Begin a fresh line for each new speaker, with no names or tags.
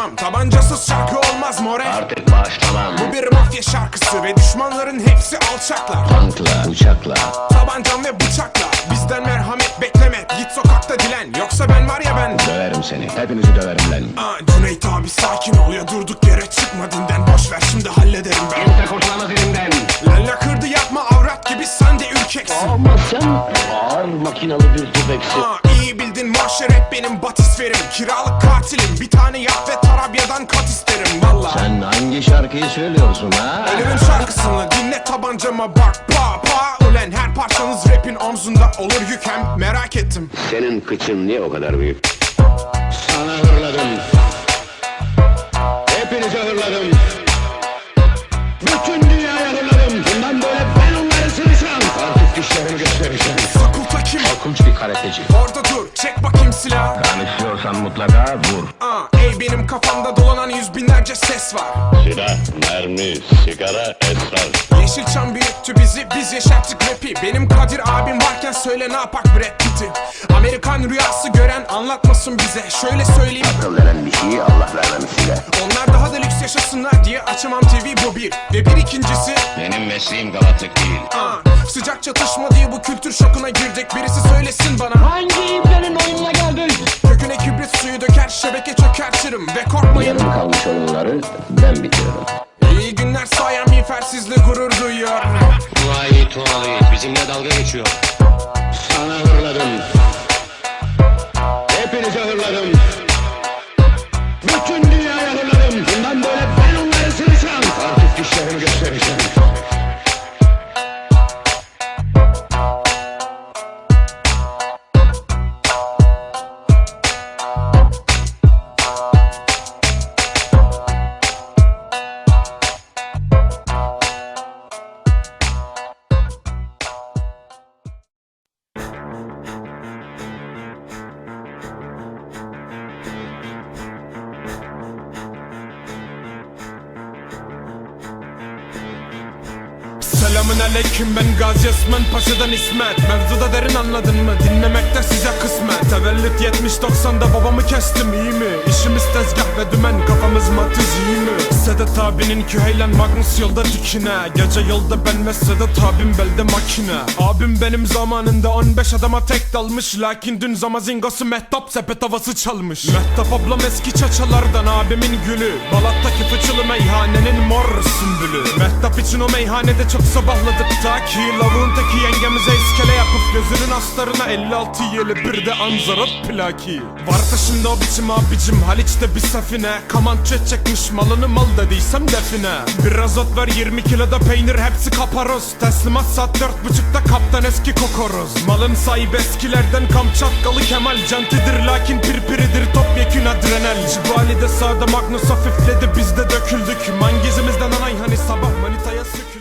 başlamam. Tabancasız şarkı olmaz more.
Artık başlamam.
Bu bir mafya şarkısı ve düşmanların hepsi alçaklar.
Tankla, uçakla,
Tabancam ve bıçakla. Bizden merhamet bekleme. Git sokakta dilen. Yoksa ben var ya ben.
döverim seni. Hepinizi döverim lan.
Cüneyt abi sakin ol ya, durduk yere çıkma dinden. Boş ver şimdi hallederim ben.
Kimse kurtulamaz elimden.
Lalla kırdı yapma avrat gibi, sen de ürkeksin.
Ama sen ağır makinalı bir tüfeksin.
İyi bildin mahşer hep benim batisferim. Kiralık katilim, bir tane yap ve Tarabya'dan kat isterim valla.
Sen hangi şarkıyı söylüyorsun ha?
Ölümün şarkısını dinle, tabancama bak pa pa. Ulen her parçanız rapin omzunda olur yük, hem merak ettim.
Senin kıçın niye o kadar büyük? Sana hırladım. Hepinize hırladım. Bütün dünyaya hırladım. Bundan böyle ben onları sıvışam. Artık dişlerimi göstereceğim.
Fakulta kim?
Korkunç bir karateci.
Orada dur, çek bakayım silah.
Kan istiyorsan mutlaka vur.
Ey benim kafamda dolanan yüz binlerce ses var.
Silah, mermi, sigara, esrar.
Yeşilçam büyüttü bizi, biz yaşattık rapi. Benim Kadir abim varken söyle ne yapak Brad Pitt'i. Amerikan rüyası gören anlatmasın bize. Şöyle söyleyeyim,
Akıl veren bir şeyi Allah vermemiş size.
onlar daha da lüks yaşasınlar diye açamam TV, bu bir. Ve bir ikincisi,
Benim mesleğim galatlık değil.
sıcak çatışma diye bu kültür şokuna girdik. Birisi söylesin bana,
Hangi iplerin oyununa geldin?
köküne kibrit suyu döker, şebeke çökertirim. Ve korkmayın,
Yarım kalmış oyunları ben bitiririm.
iyi günler sayan miğfersizle gurur duyuyor.
Vay Tuğalı, bizimle dalga geçiyor.
Sana hırladım. Hepinize hırladım. Bütün dünyaya hırladım. Bundan böyle ben onları sıvışam. Artık dişlerimi göstereceğim.
Selamün aleyküm, ben Gazi Osman Paşa'dan İsmet. Mevzuda derin, anladın mı? Dinlemekte size kısmet. Tevellüt 70-90'da babamı kestim, iyi mi? İşimiz tezgah ve dümen, kafamız matiz, iyi mi? Sedat abinin Küheylan Magnus yolda dikine. Gece yolda ben ve Sedat abim belde makine. Abim benim zamanında 15 adama tek dalmış. Lakin dün zamazingosu Mehtap sepet havası çalmış. Mehtap ablam eski çaçalardan, abimin gülü. Balat'taki fıçılı meyhanenin mor sümbülü. Mehtap için o meyhanede çok sabahladık ta ki lavuğun teki yengemize iskele yapıp gözünün astarına 56 yeli bir de anzarat plaki. Varsa şimdi o biçim abicim Haliç'te bir safine. Kamançe çekmiş malını mal dediysem define. Biraz ot ver 20 kiloda peynir, hepsi kaparoz. Teslimat saat 4.30'da kaptan eski kokoroz. Malın sahibi eskilerden Kamçatkalı Kemal. Cantidir lakin pirpiridir topyekün adrenal. Cibali'de sağda Magnus hafifledi, biz de döküldük. Mangizimizden anay hani sabah manitaya sükür.